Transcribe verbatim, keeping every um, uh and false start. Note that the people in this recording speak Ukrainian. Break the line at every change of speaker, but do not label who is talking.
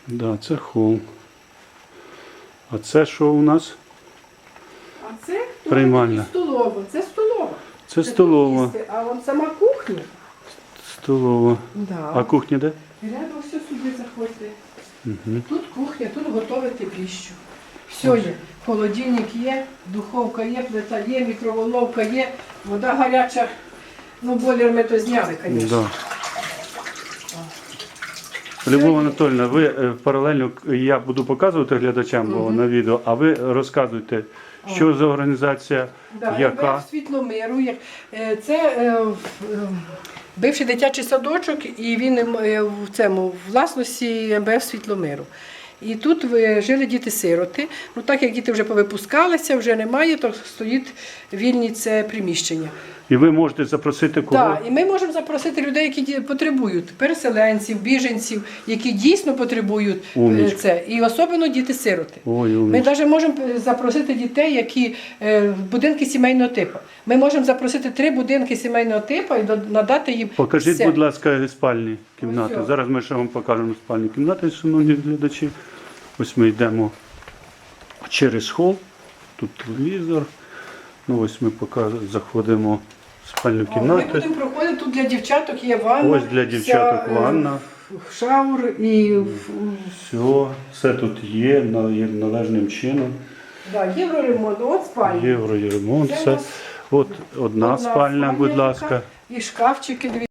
Да, це хол. А це що у нас?
А це
Приймальня.
столова. Це столова.
Це столова.
тут їсти, а вон сама кухня.
Столова.
Да.
А кухня де?
Рядом все сюди заходьте.
Угу.
Тут кухня, тут готувати піщу. Все є. Холодильник є, духовка є, плита є, мікроволновка є, вода гаряча. Ну, бойлер ми то зняли, звісно.
Да. Любов Анатольовна, ви е, паралельно, я буду показувати глядачам бо, на відео, а ви розказуйте, що за організація,
Да,
яка.
МВФ Світломиру. як- е, Це е, в- е, бивший дитячий садочок, і він е, в цьому в власності МВФ Світломиру. І тут ви- жили діти-сироти. Ну так як діти вже повипускалися, вже немає, то стоїть вільні це приміщення.
І ви можете запросити кого?
Так, і ми можемо запросити людей, які ді- потребують, переселенців, біженців, які дійсно потребують е,
Умнічка.
це. І особливо діти-сироти.
Ой,
Ми
умнічка.
навіть можемо запросити дітей, які е, в будинки сімейного типу. Ми можемо запросити три будинки сімейного типу і до- надати їм.
Покажіть,
все.
будь ласка, спальні кімнати.
Ось.
Зараз ми ще вам покажемо спальні кімнати, шановні глядачі. Ось ми йдемо через хол, тут телевізор. Ну ось ми поки заходимо в спальню
О, Ми
кімнату.
будемо проходити, тут для дівчаток є ванна.
Ось для дівчаток
вся, е,
ванна.
Шаур і
Все, все тут є, на- є належним чином.
да, євроремонт, от спальня.
Євро і ремонт.
Це у
Все.
нас
От одна
одна
спальня, будь
спальня
ласка.
така. І шкафчики, дивіться.